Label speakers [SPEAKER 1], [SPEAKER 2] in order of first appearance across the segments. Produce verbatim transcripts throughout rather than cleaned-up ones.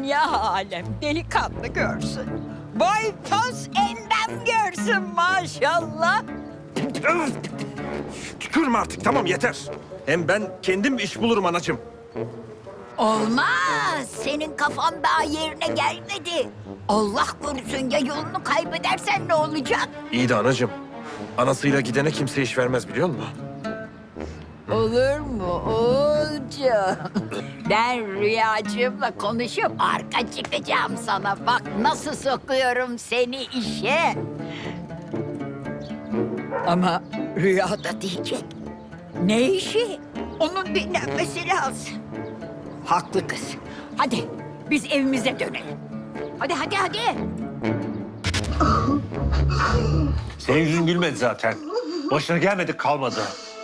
[SPEAKER 1] dünya alem delikanlı görsün. Boy poz endam görsün maşallah.
[SPEAKER 2] Tükürme artık, tamam yeter. Hem ben kendim iş bulurum anacığım.
[SPEAKER 1] Olmaz. Senin kafan daha yerine gelmedi. Allah korusun ya yolunu kaybedersen ne olacak?
[SPEAKER 2] İyi de anacığım, anasıyla gidene kimse iş vermez biliyor musun?
[SPEAKER 1] Olur mu oğulcuğum? Ben Rüyacığımla konuşup arka çıkacağım sana. Bak nasıl sokuyorum seni işe. Ama Rüya da diyecek. Ne işi? Onun dinlenmesi lazım. Haklı kız. Hadi biz evimize dönelim. Hadi hadi hadi.
[SPEAKER 3] Senin yüzün gülmedi zaten. Başına gelmedik kalmadı.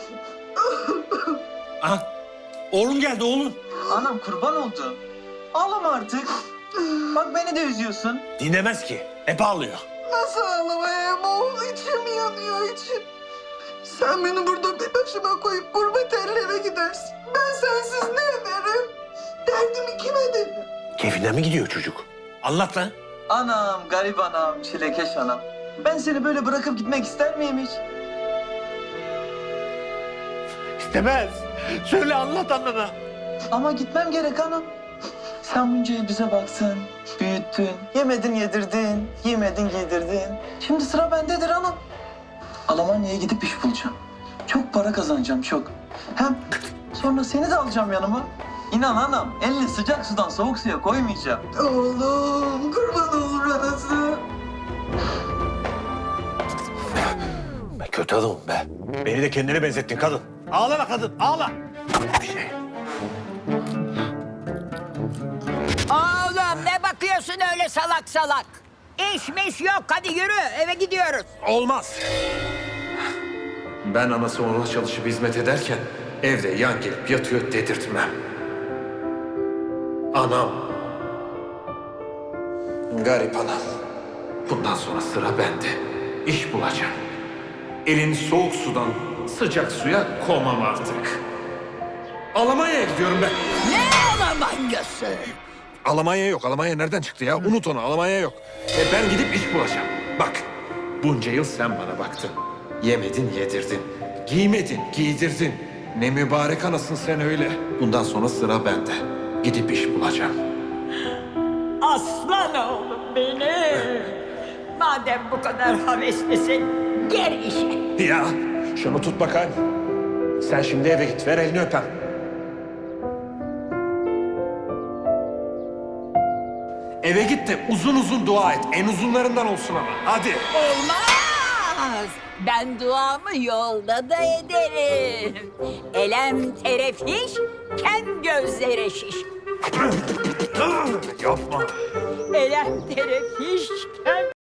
[SPEAKER 3] Ah, oğlum geldi oğlum.
[SPEAKER 4] Anam kurban oldu. Ağlama artık. Bak beni de üzüyorsun.
[SPEAKER 3] Dinlemez ki. Hep ağlıyor.
[SPEAKER 5] Nasıl ağlamayayım oğul? İçim yanıyor içim. Sen beni burada bir başıma koyup gurbet ellere gidersin. Ben sensiz ne ederim? Derdimi kime ederim?
[SPEAKER 3] Keyfine mi gidiyor çocuk? Anlat lan.
[SPEAKER 4] Anam, garip anam, çilekeş anam. Ben seni böyle bırakıp gitmek ister miyim hiç?
[SPEAKER 3] İstemez. Söyle anlat anana.
[SPEAKER 4] Ama gitmem gerek anam. Sen bunca yıl bize baksın, büyüttün, yemedin yedirdin, giymedin giydirdin. Şimdi sıra bendedir anam. Almanya'ya gidip iş bulacağım. Çok para kazanacağım, çok. Hem sonra seni de alacağım yanıma. İnan anam, elini sıcak sudan soğuk suya koymayacağım.
[SPEAKER 5] Oğlum kurban olur anası.
[SPEAKER 3] Ben kötü adamım be. Beni de kendine benzettin kadın. Ağlama kadın, ağla. Bir şey.
[SPEAKER 1] Oğlum ne bakıyorsun öyle salak salak? İşmiş yok hadi yürü eve gidiyoruz.
[SPEAKER 2] Olmaz. Ben anası ona çalışıp hizmet ederken evde yan gelip yatıyor dedirtmem. Anam. Garip anam. Bundan sonra sıra bende. İş bulacağım. Elini soğuk sudan sıcak suya koymam artık. Almanya'ya gidiyorum ben.
[SPEAKER 1] Ne Almanyası?
[SPEAKER 2] Almanya yok. Almanya nereden çıktı ya? Unut onu. Almanya yok. E ben gidip iş bulacağım. Bak, bunca yıl sen bana baktın. Yemedin, yedirdin. Giymedin, giydirdin. Ne mübarek anasın sen öyle. Bundan sonra sıra bende. Gidip iş bulacağım.
[SPEAKER 1] Aslan oğlum benim. Madem bu kadar haveslisin gel işe.
[SPEAKER 2] Ya, şunu tut bakayım. Sen şimdi eve git. Ver elini öpem. Eve git de uzun uzun dua et. En uzunlarından olsun ama. Hadi.
[SPEAKER 1] Olmaz. Ben duamı yolda da ederim. Elem terefiş, kem gözlere şiş.
[SPEAKER 2] Yapma.
[SPEAKER 1] Elem terefiş, kem